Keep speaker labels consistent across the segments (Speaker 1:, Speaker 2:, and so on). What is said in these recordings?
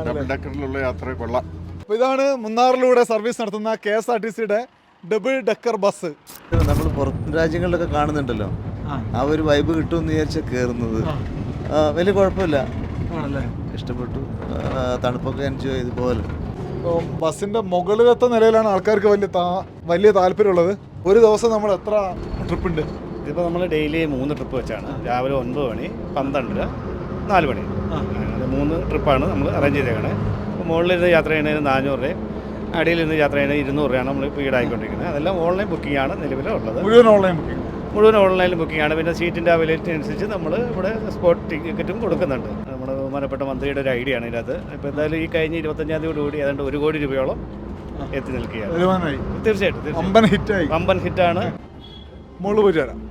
Speaker 1: Double ഡെക്കറിലുള്ള യാത്ര കൊള്ളാം.
Speaker 2: അപ്പോൾ ഇതാണ് മുന്നാറിലൂടെ സർവീസ് നടത്തുന്ന KSRTCയുടെ ഡബിൾ ഡെക്കർ ബസ്.
Speaker 3: നമ്മൾ പുറത്ത് രാജ്യങ്ങളിലൊക്കെ കാണുന്നുണ്ടല്ലോ, ആ ഒരു വൈബ് കിട്ടുമെന്ന് വിചാരിച്ചാൽ കയറുന്നത്. വലിയ കുഴപ്പമില്ല, ഇഷ്ടപ്പെട്ടു. തണുപ്പൊക്കെ എൻജോയ് ചെയ്ത് പോലെ.
Speaker 2: ബസ്സിൻ്റെ മുകളിലത്തെ നിലയിലാണ് ആൾക്കാർക്ക് വലിയ താല്പര്യമുള്ളത്. ഒരു ദിവസം നമ്മൾ എത്ര ട്രിപ്പ് ഉണ്ട്?
Speaker 4: ഇതിപ്പോൾ നമ്മൾ ഡെയിലി 3 ട്രിപ്പ് വെച്ചാണ്. രാവിലെ 9 മണി, 12, 4 മണി, അങ്ങനെ 3 ട്രിപ്പാണ് നമ്മൾ അറേഞ്ച് ചെയ്തേക്കണേ. അപ്പോൾ മുകളിലിരുന്ന് യാത്ര ചെയ്യുന്നതിന് 400 രൂപയും അടിയിലിരുന്ന് യാത്ര ചെയ്യുന്നതിന് 200 രൂപയാണ് നമ്മൾ ഇപ്പോൾ ഈടായിക്കൊണ്ടിരിക്കുന്നത്. അതെല്ലാം ഓൺലൈൻ ബുക്കിംഗ് ആണ് നിലവിലുള്ളത്.
Speaker 2: മുഴുവൻ ഓൺലൈൻ ബുക്കിംഗ്? മുഴുവൻ
Speaker 4: ഓൺലൈനിൽ ബുക്കിംഗ് ആണ്. പിന്നെ സീറ്റിൻ്റെ അവൈലബിലിറ്റി അനുസരിച്ച് നമ്മൾ ഇവിടെ സ്പോട്ട് ടിക്കറ്റും കൊടുക്കുന്നുണ്ട്. നമ്മുടെ ബഹുമാനപ്പെട്ട മന്ത്രിയുടെ ഒരു ഐഡിയ ആണ് ഇതിനകത്ത്. ഇപ്പോൾ എന്തായാലും ഈ കഴിഞ്ഞ 25-ാം തീയതിയോടുകൂടി ഏതാണ്ട് 1 കോടി രൂപയോളം എത്തി നിൽക്കുകയാണ്. തീർച്ചയായിട്ടും വമ്പൻ ഹിറ്റാണ്.
Speaker 2: മുകളിൽ പോയി ചേരാം.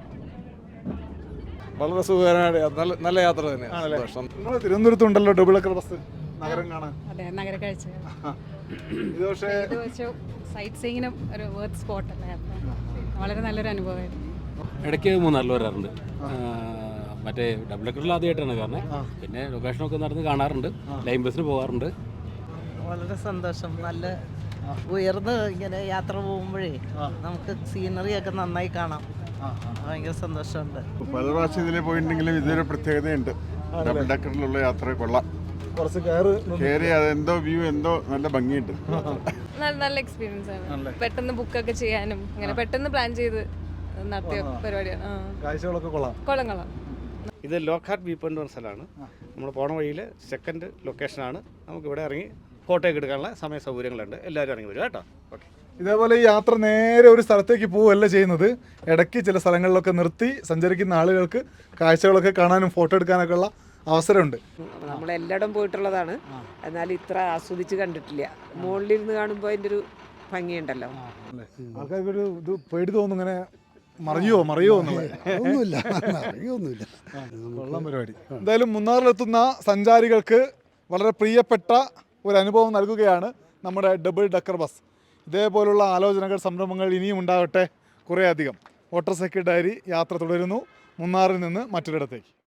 Speaker 5: വളരെ സുഖകരമായ നല്ല യാത്ര തന്നെയാണ്.
Speaker 2: നിങ്ങൾ തിരുവനന്തപുരത്തുണ്ടല്ലോ ഡബിൾ ഡെക്കർ ബസ്, നഗരം കാണാൻ.
Speaker 6: അതെ, നഗര കാഴ്ച.
Speaker 2: ഇത് പക്ഷേ
Speaker 6: സൈറ്റ് സീയിങ്ങിനും ഒരു വേർത്ത് സ്പോട്ട് അല്ലേ, വളരെ നല്ലൊരു അനുഭവമായിരുന്നു.
Speaker 7: ഇടയ്ക്ക് മൂന്നാറിൽ വരാറുണ്ട്. മറ്റേ ഡബിൾ ഡെക്കറിൽ ആദ്യമായിട്ടാണ് കാരണം. പിന്നെ ലൊക്കേഷനൊക്കെ നടന്ന് കാണാറുണ്ട്, ലൈൻ ബസ്സിന് പോകാറുണ്ട്.
Speaker 8: വളരെ സന്തോഷം. നല്ല ഉയർന്ന് ഇങ്ങനെ യാത്ര പോകുമ്പോഴേ നമുക്ക് സീനറി ഒക്കെ നന്നായി കാണാം. ഭയങ്കര സന്തോഷമുണ്ട്.
Speaker 1: പല പ്രാവശ്യം ഇതിൽ പോയിട്ടുണ്ടെങ്കിലും ഇതൊരു പ്രത്യേകതയുണ്ട്. ഡബിൾ ഡെക്കറിലുള്ള യാത്ര കൊള്ളാം.
Speaker 2: കുറച്ച്
Speaker 1: കയറി അതെന്തോ വ്യൂ എന്തോ നല്ല ഭംഗിയുണ്ട്.
Speaker 9: നല്ല എക്സ്പീരിയൻസ് ആണ്. പെട്ടെന്ന് ബുക്കൊക്കെ ചെയ്യാനും അങ്ങനെ പെട്ടെന്ന് പ്ലാൻ ചെയ്ത് നടത്തിയ പരിപാടിയാണ്.
Speaker 2: കാഴ്ചകളൊക്കെ കൊള്ളാം.
Speaker 9: കൊള്ളാം.
Speaker 4: ഇത് ലോക്ക്ഹാർട്ട് വ്യൂ പോയിന്റ് എന്ന സ്ഥലമാണ്. നമ്മൾ പോണ വഴിയിൽ സെക്കൻഡ് ലൊക്കേഷനാണ്. നമുക്ക് ഇവിടെ ഇറങ്ങി ഫോട്ടോ ഒക്കെ എടുക്കാനുള്ള സമയ സൗകര്യങ്ങളുണ്ട്. എല്ലാവരും ഇറങ്ങി വരും കേട്ടോ. ഓക്കെ.
Speaker 2: ഇതേപോലെ ഈ യാത്ര നേരെ ഒരു സ്ഥലത്തേക്ക് പോവുകയല്ല ചെയ്യുന്നത്. ഇടയ്ക്ക് ചില സ്ഥലങ്ങളിലൊക്കെ നിർത്തി സഞ്ചരിക്കുന്ന ആളുകൾക്ക് കാഴ്ചകളൊക്കെ കാണാനും ഫോട്ടോ എടുക്കാനൊക്കെ ഉള്ള അവസരമുണ്ട്.
Speaker 10: നമ്മളെല്ലായിടും പോയിട്ടുള്ളതാണ്, എന്നാലും ഇത്ര ആസ്വദിച്ച് കണ്ടിട്ടില്ല. മുകളിലിരുന്ന് കാണുമ്പോൾ അതിൻ്റെ ഒരു ഭംഗിയുണ്ടല്ലോ.
Speaker 2: ആൾക്കാർക്കൊരു ഇത് പേടി തോന്നും, ഇങ്ങനെ മറിയോ
Speaker 5: ഒന്നുമില്ല.
Speaker 2: കൊള്ളാം പരിപാടി. എന്തായാലും മുന്നാറിലെത്തുന്ന സഞ്ചാരികൾക്ക് വളരെ പ്രിയപ്പെട്ട ഒരു അനുഭവം നൽകുകയാണ് നമ്മുടെ ഡബിൾ ഡെക്കർ ബസ്. ഇതേപോലുള്ള ആലോചനകൾ, സംരംഭങ്ങൾ ഇനിയും ഉണ്ടാകട്ടെ കുറേയധികം. വാട്ടർ സൈക്കിൾ ഡയറി യാത്ര തുടരുന്നു മുന്നാറിൽ നിന്ന് മറ്റൊരിടത്തേക്ക്.